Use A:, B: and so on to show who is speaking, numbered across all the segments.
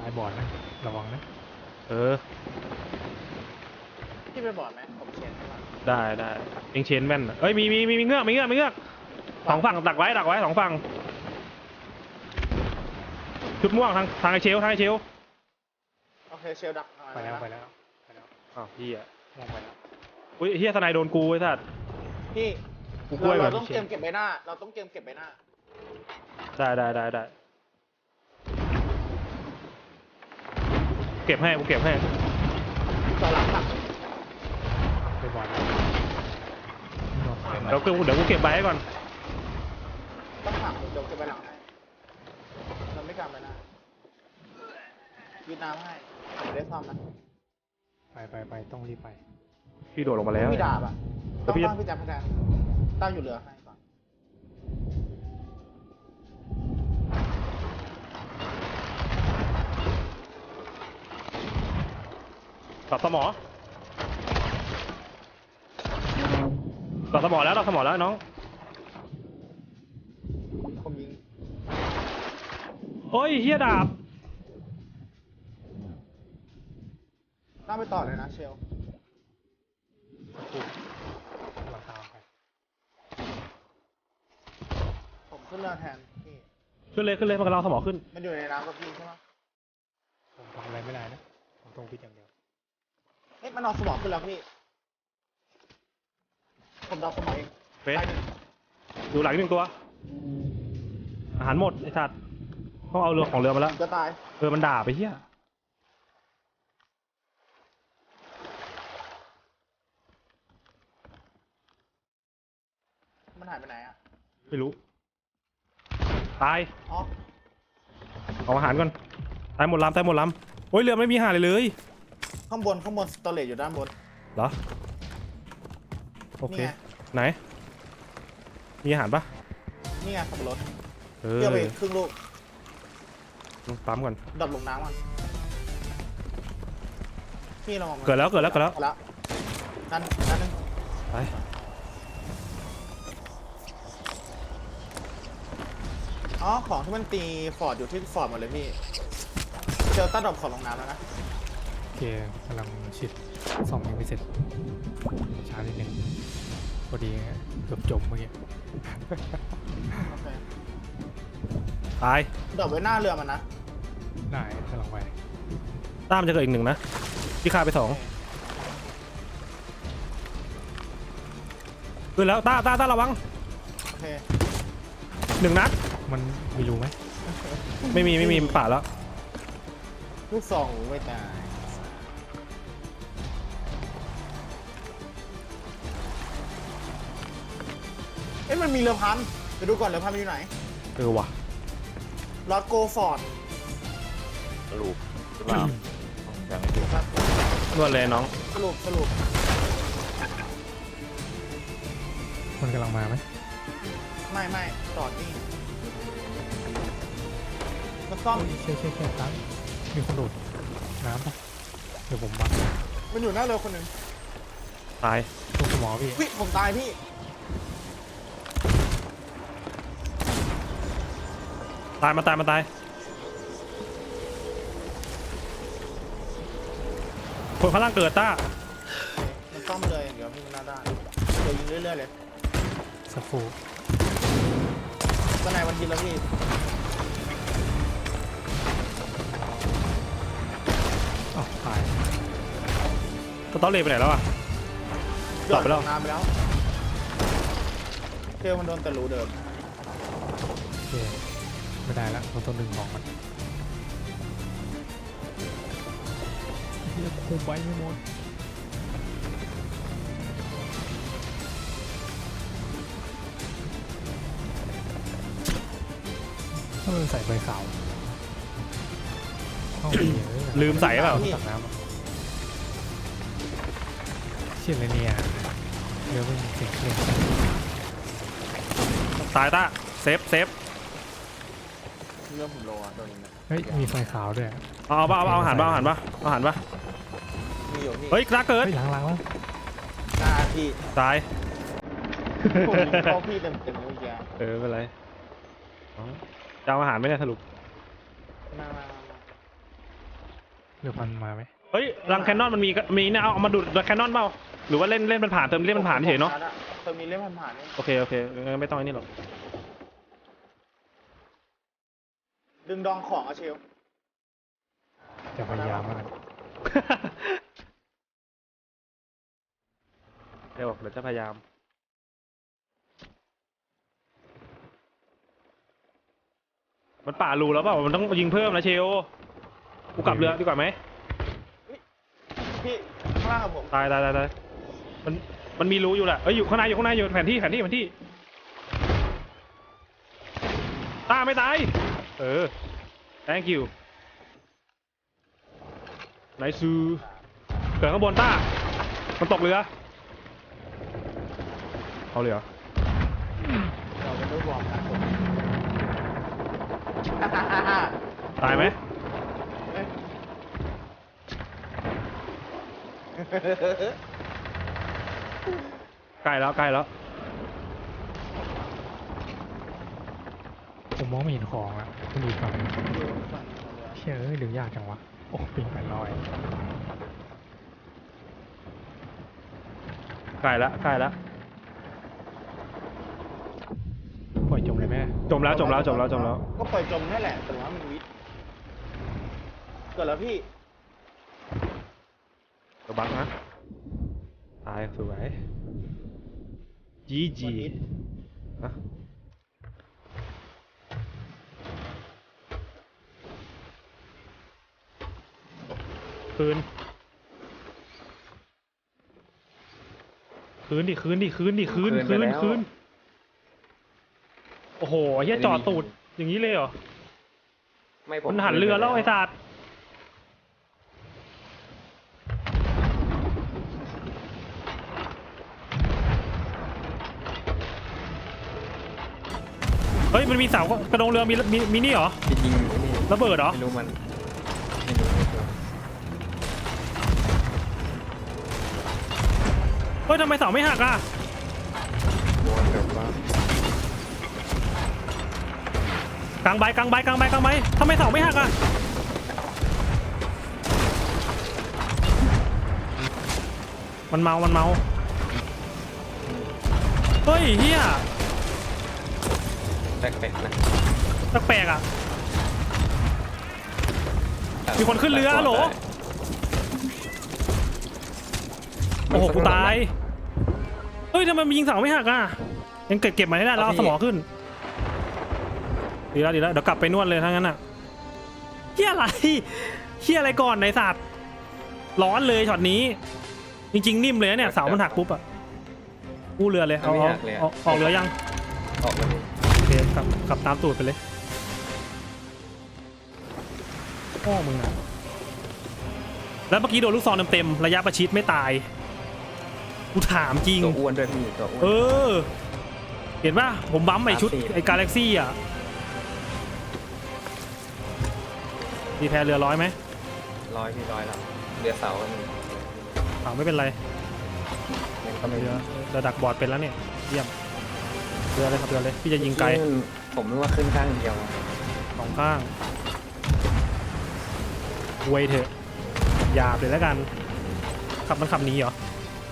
A: ตายบอดนะระวังนะ
B: เออ
C: พี่ไปบอดไหมผมเชนใช่ปะ
B: ได้เองเชนแม่นเอ้ยมีเงือกสองฝั่งดักไว้สองฝั่งชุดม่วงทางไอเชล
C: โอเคเชลดัก
A: ไปแล้ว
B: อ้าวพี่อะ
A: มองไปแล้ว
B: อุ้ยเฮียสไนโดนกูไอ้สัส
C: พี่
B: กูกล้วยก่อน
C: เราต้องเตรียมเก็บใบหน้าเราต้องเตรียมเก็บใบหน้า
B: ได้เก็บให้กูเก็บให้
C: ต่อหลังหลัง
A: ไปบอดแล้ว
B: เดี๋ยวกูเก็บใบให้ก่อน
C: ต้องหักเดี๋ยวเก็บใบหลังให้เราไม่กล้าใบหน้ายืดน้ำให้ผมไม่ได้ซ่อมนะ
A: ไปต้องรีบไป
B: พี่โดดลงมาแล้ว
C: พี่ดาบอ่ะ
B: แล้
C: ต้อ
B: ว
C: ง
B: พี่
C: ตั้งพี่แจ๊คพี่แจ๊คตั้งอยู่เหลือให้ก่อน
B: ตัดสมอแล้วน้อง
C: ผมยิง
B: โอ้ยเฮียดาบ
C: ตั้งไปต่อเลยนะเชล
A: หลังตามไป
C: ผมขึ้นเรือแทนพี่
B: ขึ้นเลยมันกำลังสมอขึ้น
C: มันอยู่ในน้ำกับพี่ใช่ไหม
A: ผมทำอะไรไม่ได้นะผมต้องพิจอย่างเดียว
C: เอ๊ะมันเอาสมองขึ้นแล้วพี่ผมดอกสมองเอง
B: เฟ้ย
C: ไปหนึ่ง
B: ดูหลัง1 ตัว อาหารหมดไอ้สัตว์ต้องเอาเรือมาแล้ว
C: จะตาย
B: มันด่าไปเฮีย
C: มันหายไปไหนอ่ะ
B: ไม่รู้ตาย
C: อ๋อ
B: เอาอาหารก่อนตายหมดลำโอ้ยเรือไม่มีอาหารเลย
C: ข้างบนสตอเรจอยู่ด้านบน
B: เหรอโอเค
C: นี่ไง
B: ไหนมีอาหารปะ
C: นี่ไงขับรถ
B: เอ
C: เที่ยวไป
B: อ
C: ครึ่งลูก
B: ปั๊มก่อน
C: ดรอปลงน้ำก่อนพี่ระวังมัน
B: เกิดแล้ว
C: แล้วนั่นนึง
B: ไป
C: อ๋อของที่มันตีฟอร์ดอยู่ที่ฟอร์ดหมดเลยพี่เจอต้าดรอปของลงน้ำแล้วนะ
A: โอเคกำลังชิดซ่อมยังไม่เสร็จช้านิดนึงพอดีเกือบจบเมื่อกี้
C: โอเค
B: ตาย
C: ดรอปไว้หน้าเรือมันนะ
A: ได้กำลังไป
B: ต้ามจะเกิดอีก1นะพี่ฆ่าไป2ขึ้นแล้วต้าระวัง
C: โอเค
B: 1 นัด
A: มันมีรูไหม
B: ไม่มีป่าแล้ว
C: ลูกซองไม่ตายเอ๊ะมันมีเรือพันไปดูก่อนเรือพันมันอยู่ไหน
B: ว่ะ
C: ลอดโกฟอร์ด
D: สรุปหรือเปล่ายังไม่ถูก
B: นวดเลยน้อง
C: สรุป
A: มันกำลังมาไหม
C: ไม่จอดนี่มาซ่อม
A: เช่ตั้งมีคนโดดน้ำปะเดี๋ยวผมบัง
C: มันอยู่หน้าเรือคนหนึ่ง
B: ตาย
A: ตรงสมอพี่
C: วิผมตายพี่
B: มาตายคนข้างล่างเกิดต้า
C: มันซ่อมเลยอย่างเดียวพี่มันหน้าด้านเดี๋ยวยิงเรื่อยๆเลย
A: สักฟู
C: ตอนไหนวันทีแล้วพี่
A: อ้าวตาย
B: สตอรี่ไปไหนแล้วอ่ะ ตอบไปแล้ว
C: น้ำไปแล้วเทลมันโดนแต่รูเดิม
A: โอเคไม่ได้ละเราต้องดึงของมันเฮียคุมไว้ไม่หมดถ้ามันใส่ใบขาวเข้าไปเลย
B: ลืมใส่เปล่า
A: ตักน้ำอะเชี่ยอะไรเนี่ยเรือไม่มีเสียงเครื่อง
B: ตายต้าเซฟ
C: เรื่องผมโลอ่ะตัวนี้นะ
A: เฮ้ยมีไฟขาวด้วย
B: เอาอาหารปะ
C: มีอยู่พี่
B: เฮ้ยกล้าเกิด
A: เฮ้ยล้างแล้ว
C: หน้าพี่
B: ตาย
C: ผมยิงเข้าพี่เต็มเมื่อกี้
B: ไม่เป็นไรจะเอาอาหารไหมเนี่ยสรุป
C: มา
A: เรือพันมาไหม
B: เฮ้ยรังแคนนอนมันมีเนี่ยเอามาดูดรังแคนนอนเปล่าหรือว่าเล่นมันผ่านเติมเล่นมันผ่านเฉยเนาะ
C: เติมมีเล่มผ่านๆนี่
B: โอเคงั้นไม่ต้องไอ้นี่หรอก
C: ดึงดองของอะเชล
A: จะพยายามแล้วกัน
B: เดี๋ยวจะพยายามมันป่ารูแล้วเปล่ามันต้องยิงเพิ่มนะเชลกูกลับเรือดีกว่าไหม
C: พี่ข้างล่างกับผม
B: ตายมันมีรูอยู่แหละเอ้ยอยู่ข้างในอยู่แผนที่ตาไม่ตายthank you ไหนซูเกิดข้างบนต้ามันตกเรือเอาเลยเหรอ
C: เราเป็นรูปวอร์มนะผม
B: ตายไหมใกล้แล้ว
A: ผมมองไม่เห็นของอ่ะมันอยู่ฝั่งเชื่อดึงยากจังวะโอ้ปิง800
B: ใกล้แล้ว
A: ปล่อยจมเลยแม่
B: จมแล้ว
C: ก็ปล่อยจมนั่นแหละแต่ว่ามันวิทย์เกิดแล้วพี่
B: ตัวบังนะตายสวยจี
C: วันนี้
B: อะคืนโอ้โหเฮียจอดตูดอย่างนี้เลยเหรอ
D: ไม่ผม
B: มันหันเรือแล้วไอ้สัตว์เฮ้ยมันมีเสากระดงเรือมีนี่เหรอ
D: จริงๆนี่
B: ระเบิดเหรอ
D: ไม่รู้ไม่รู้
B: เฮ้ยทำไมเสาไม่หักอ่ะ
D: โดนแบบว่าก
B: ลางใบทำไมเสาไม่หักอ่ะมันเมาเฮ้ยเฮีย
D: แปลกๆนะ
B: แปลกๆอ่ะ มีคนขึ้นเรือฮัลโหล โอ้โหกูตายเฮ้ยทำไมมันยิงเสาไม่หักอ่ะยังเก็บมาให้ได้แล้วเอาสมองขึ้นดีแล้วเดี๋ยวกลับไปนวดเลยทั้งนั้นอ่ะเฮียอะไรก่อนในสัตว์ร้อนเลยช็อตนี้จริงๆนิ่มเลยนะเนี่ยเสามันหักปุ๊บอ่ะกู้เรือเลยเอาออกเรือยัง
D: ออกมาเลย
B: โอเคกลับตามตูดไปเลยพ่อมึงอ่ะแล้วเมื่อกี้โดนลูกซองเต็มๆระยะประชิดไม่ตายกูถามจริง
D: ตัวอ้วนด้วยพี่ตัวอ้วน
B: เห็นป่ะผมบั๊มไอชุดไอกาแล็กซี่อ่ะดีแพรเรือ100ไหม
D: ร้อยพี่ร้อยแล้วเรือเสาหนึ่ง
B: ไม่เป็นไร
D: มันก็ไม่
B: เรือดักบอร์ดเป็นแล้วเนี่ยเยี่ยมเรือเลยพี่จะยิงไกล
D: ผมนึกว่าขึ้นข้างเดียว
B: 2 ข้างเวยเถอะหยาบเลยแล้วกันมันขับหนีเหรอ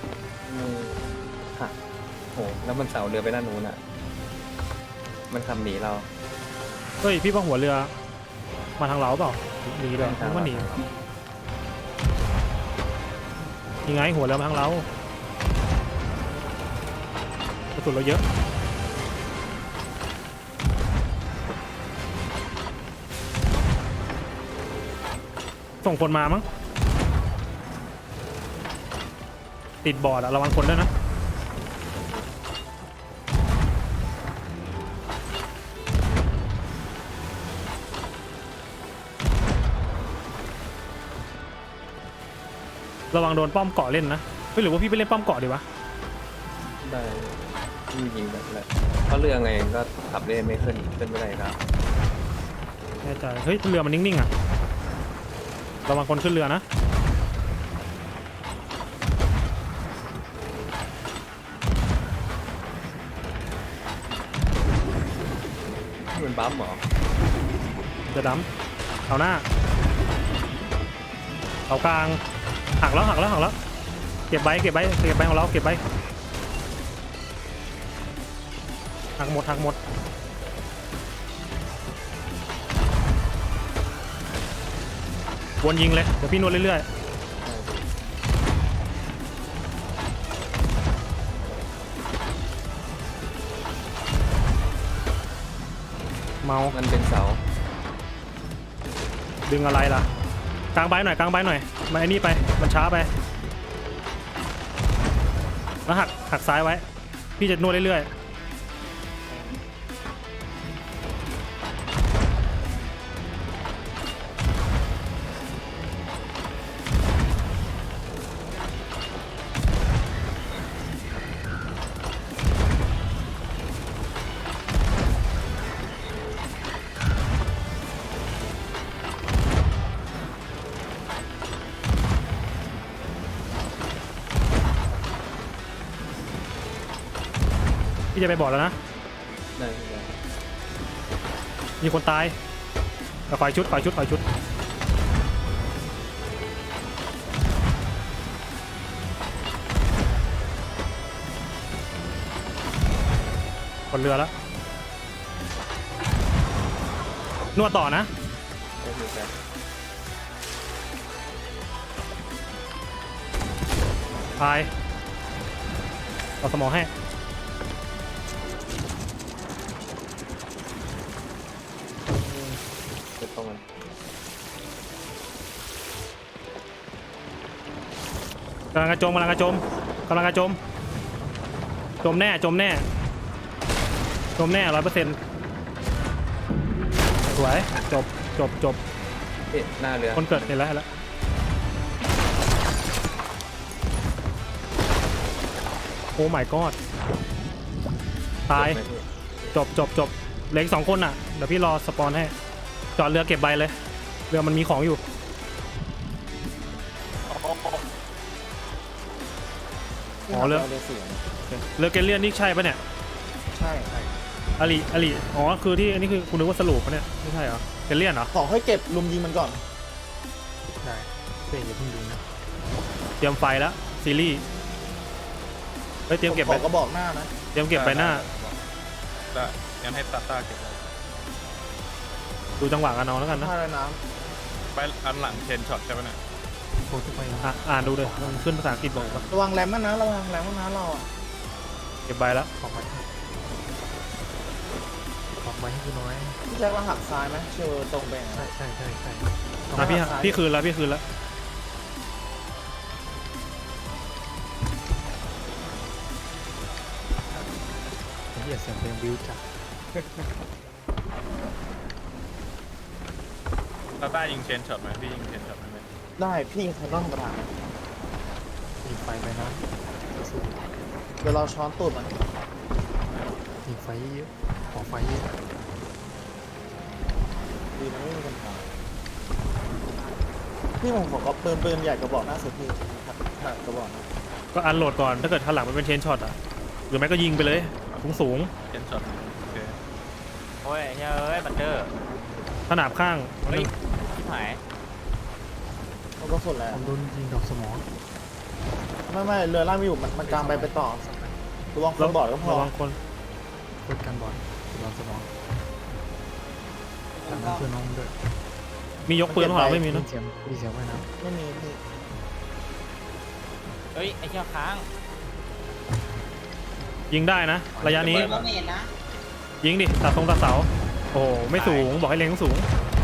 D: ค่ะโหแล้วมันเสาเรือไปด้านนู้นอ่ะมันขับหนีเรา
B: เฮ้ยพี่ว่าหัวเรือมาทางเราเปล่าหนีด้วยนึกว่าหนียังไงหัวเรือมาทางเรากระสุนเราเยอะส่งคนมามั้งติดบอร์ดอะระวังคนด้วยนะระวังโดนป้อมเกาะเล่นนะหรือว่าพี่ไปเล่นป้อมเกาะดีวะ
D: ได้พี่ยิงแบบแหละเพราะเรือไงก็ขับเล่นไม่ขึ้นไม่ได้ครับ
B: แน่ใจเฮ้ยเรือมันนิ่งๆอ่ะระวังคนขึ้นเรือนะ
D: มันบั๊มเหรอ
B: จะดั้มเอาหน้าเอากลางหักแล้วเก็บใบของเราเก็บใบหักหมดวนยิงเลยเดี๋ยวพี่นวดเรื่อยๆเมา
D: มันเป็นเสา
B: ดึงอะไรล่ะกลางใบหน่อยมาไอ้นี่ไปมันช้าไปแล้วหักซ้ายไว้พี่จะนวดเรื่อยๆพี่จะไปบอกแล้วนะ
D: ได้
B: มีคนตายเอาฝ่ายชุดคนเรือแล้วนวดต่อนะ
D: ได้เหมือนกัน
B: ตายเอาสมองให้
D: จะต้องมัน
B: กำลังกระจมจมแน่100%สวยจบ
D: เอ๊ะหน้าเรือ
B: คนเกิดเห็นแล้วโอ้ my god ตาย
D: เจ็บไหมพี่
B: จบเหลืออีก2 คนอ่ะเดี๋ยวพี่รอสปอนให้จอดเรือเก็บใบเลยเรือมันมีของอยู่อ๋อเรือ
C: เสียง
B: เรือเกลเลียนนี่ใช่ปะเนี่ย
C: ใช่
B: อลิอ๋อคือที่อันนี้คือคุณนึกว่าสรุปปะเนี่ยไม่ใช่เหรอเกลเลียนเหรอ
C: ขอให้เก็บลุมยิงมันก่อน
A: ได้เป้อย่าเพิ่งดูนะ
B: เตรียมไฟแล้วซีรีส์เฮ้ยเตรียมเก็บ
C: ข
B: ไป
C: อกระบอกหน้านะ
B: เตรียมเก็บใบหน้า
E: ได้งั้นให้ตาเก็บไว้
B: ดูจังหวะกันเอาแล้วกันนะ
C: ผ้าลอยน้
E: ไปอันหลังเชนช็อตใช่ไหมเนี่ย
A: โค้ดทุกไปนะ
B: อ่านดูเลยมันขึ้นภาษาอังกฤษบอกว่า
C: ำระวังแรมมันนะเราอ่ะ
B: เก็บใบแล้ว
A: ออกไว้ให้กูน้อย
C: พี่แจ็คเราหักซ้ายไหมเชื่อตรงไปอย่างนั้น
A: ใช่
B: อ่ะพี่คืนแล้ว
A: ไอ้เหี้ยเสียงเพลงวิวจัด
E: ตาต้ายิงเชนช็อตไหมพี่ยิงเชนช็อตไหม
C: ได้พี่คันต้องธรรมดา
A: ยิงไฟไปนะสู้
C: เดี๋ยวเราช้อนตูดมัน
A: ยิงไฟเยอะขอไฟเยอะ
C: ดีนะไม่มีปัญหาพี่ผมขอปืนใหญ่กระบอกหน้าสุดพี่ครับกระบอกนะ
B: ก็อันโหลดก่อนถ้าเกิดข้างหลังมันเป็นเชนช็อตอ่ะหรือไม่ก็ยิงไปเลยสูง
E: เชนช็อตโอเค
F: โอ้ยเฮ้ยบัตเตอร์
B: ขนาบข้าง
F: เฮ้ยชิบหาย
C: เขาก็สุดแล้ว
A: ผมโดนยิงดอกสมอง
C: ไม่เรือล่างไม่อยู่มันกลางไปต่อระวังคนบอดก็พอ
B: ระวังคน
A: โคตรกันบอดดอกสมองหลังนั้นเพื่อนน้องด้วย
B: มียกปืนหรอไม่มี
A: มี
B: เนอะ
A: เสียงไว้นะ
C: ไม่มีพี่
F: เฮ้ยไอ้เชี่ยค้าง
B: ยิงได้นะระยะนี้ยิงดิตัดตรงตัดเสาโอ้โหไม่สูงบอกให้เล็งสูง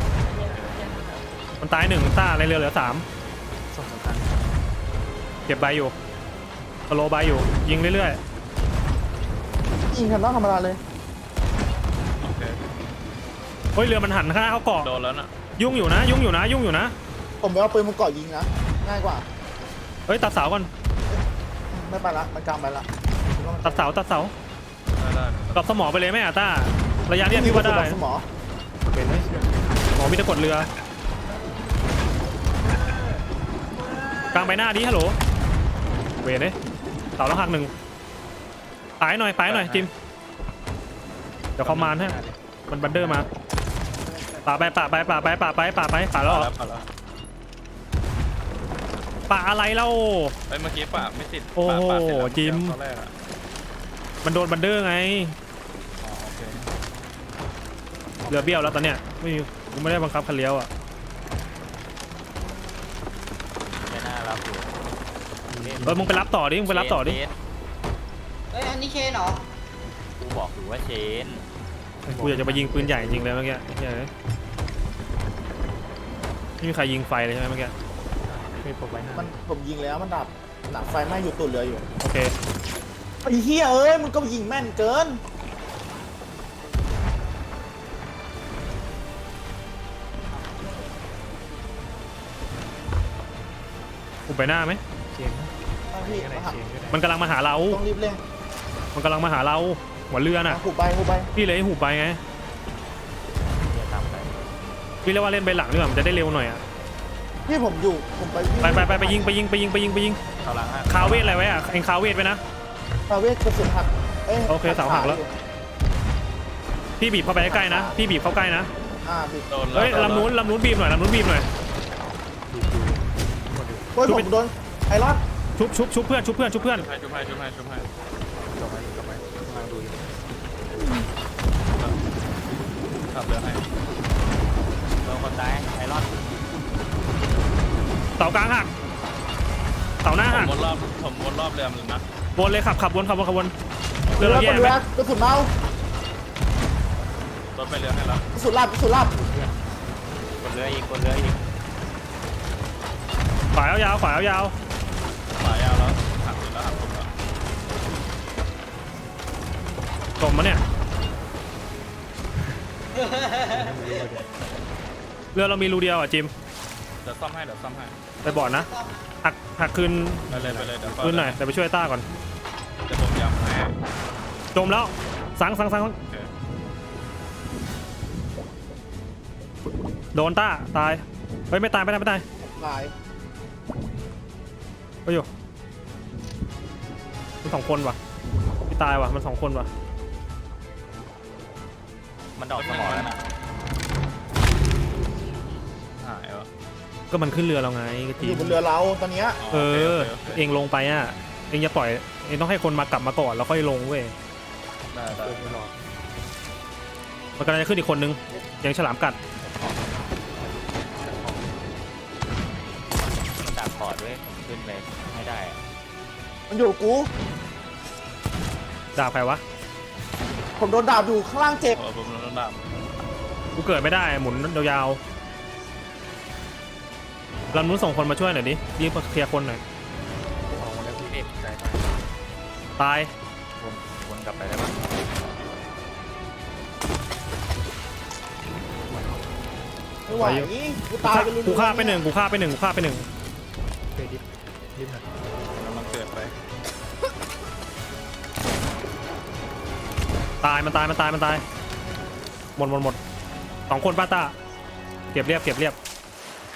B: มันตาย1ต้าในเรือเหลือ3
A: ส่งสำคัญ
B: เก็บใบอยู่สโลว์ใบอยู่ยิงเรื่อย
C: ยิงคันต้องธรรมดาเลย
E: โอเค
B: ๆเฮ้ยเรือมันหันข้างหน้าเข้าเกาะ
E: โดนแล้วน่ะ
B: ยุ่งอยู่นะ
C: ผมไปเอาปืนมาเกาะยิงนะง่ายกว่า
B: เฮ้ยตัดเสาก่อน
C: ไม่ไปละมันกลางไปละ
B: ตัดเสา
E: ได้
B: ดรอปสมอไปเลยไหมอ่ะต้าระยะเนี้ยพี่ว่าได้
C: สมอ
A: เป็นไหม
B: หมอมีตะกดเรือกลางใบหน้าดิฮัลโหลเวรเลยเสาแล้วหัก1ปายหน่อยจิมเดี๋ยวเขามานให้มันบันเดอร์มาป่าไปแล้วเหรอ
E: แล้ว
B: ปะอะไรเล่า
E: เอ้ยเมื่อกี้ป่าไม่ติด
B: โอ้โห
E: ป่าเสร็จแล้ว
B: จิม
E: ตอนแรกอะ
B: มันโดนบันเดอร์ไง
E: อ๋อโอเค
B: เรือเบี้ยวแล้วตอนเนี้ยไม่มีกูไม่ได้บังคับคันเลี้ยวอ่ะ
F: ไม่น่ารับอยู่
B: มึงไปรับต่อดิมึงไปรับต่อดิ
F: เชน
G: เฮ้ย อันนี้เชนเหรอ
F: กูบอกอยู่ว่าเชน
B: กูอยากจะไปยิงปืนใหญ่จริงเลยเมื่อกี้เฮ้ยไม่มีใครยิงไฟเลยใช่ไหมเมื่อกี้
A: ไม่ปกไว้หน้า
C: มันผมยิงแล้วมันดับหนักไฟไหม้อยู่ตุ่นเรืออยู่
B: โอเค
C: ไอ้เหี้ยเอ้ยมึงก็ยิงแม่นเกิน
B: กูไปหน้าไหม
A: เชนนะ
C: เอาพี่
A: ก็ได้
C: มาหัก
A: เชนก็ได้
B: มันกำลังมาหาเรา
C: ต้องรีบเร่ง
B: มันกำลังมาหาเราหัวเรือน่ะ
C: หูไปหูไป
B: พี่เลยให้หูไปไง
F: เดี๋ยวตามไป
B: พี่เรียกว่าเล่นไปหลังดีกว่ามันจะได้เร็วหน่อยอ่ะ
C: พี่ผมอยู่ผมไปวิ่ง
B: ไปยิง
F: เขาหลังอ่ะ
B: คาเวทอะไรไว้อ่ะเอ็งคาเวทไปนะ
C: ฟาเวสกระสุนหักย
B: โอเคเสาหักแล้ว พี่บีบเข้าไปใกล้ๆนะพี่บีบเข้าใกล้นะ
C: พี่
E: โดนแล้ว
B: เฮ้ย
E: โดแว
B: ลำนู้นบีบหน่อยลำนู้นบีบหน่อย
A: ดูหมดอยู่
C: โอ้ยผมโดนไอรอน
B: ชุบเพื่อน
E: ชุบให้
A: จบไว้กำลังดูอยู่
E: ขับเรือให้
F: โดนคนตายไอรอน
B: เสากลางหักเสาหน้า
E: ผ
B: หั
E: ม
B: ก
E: วนรอบเรือมันนะ
B: วนเลยขับวนเรื
C: เรือ อ
B: เราแย่
C: เรื
B: ไหม
C: อกระสุนเมาร
E: ถไปเรือให้แล้ว
C: กระสุนลับ
F: กดเรืออีก
B: ขวายาว
E: ขวายาวแล้วหักแล้วหักผมแล้ว
B: จมมาเนี่ยเรือเรามีรูเดียวอ่ะจิม
E: เดี๋ยวซ่อมให้
B: ไปบอร์ดนะหักคืน
E: ไปเลยเดี๋ยว
B: คืนหน่อยเดี๋ยวไปช่วยต้าก่อน
E: เดี๋ยวผมย้ำให้
B: จมแล้วสัง
E: โอเค
B: โดนต้าตายเฮ้ยไม่ตาย
C: ตาย
B: ไปอยู่มัน2 คนว่ะพี่ตายว่ะมัน2 คนว่ะ
F: มันดอกสมองแล้วนะ
E: หายวะ
B: ก็มันขึ้นเรือเราไงก็
C: อ
B: จี
C: ยู่บนเรือเราตอนเนี้ย
B: เออ
E: โค
B: เองลงไปอ่ะเองอย่าปล่อยเองต้องให้คนมากลับมาก่อนแล้วค่อยลงเว้ย
E: ได้
A: เดินไปรอ
B: มันกำลังจะขึ้นอีกคนนึงยังฉลามกัด
F: มันดักคอร์ดด้วยขึ้นไปไม่ได้อะ
C: มันอยู่กับกู
B: ดาบใครวะ
C: ผมโดนดาบอยู่ข้างล่างเจ็บ
E: ผมโดนดับ
B: กูเกิดไม่ได้หมุนยาวๆลำนู้นส่งคนมาช่วยหน่อยดิรีบมาเคลียร์คนหน่อย
A: ออกมาแล้วพี่ใจมาก
B: ตาย
F: วนกลับไปได้ปะ
C: ไม่ไหวกูตายไป
B: กูฆ่าไปหนึ่ง
A: เคยดิฟหน่อย
E: กำลังเกิดไป
B: ตายมันตายหมด2 คนป้าต้าเก็บเรียบ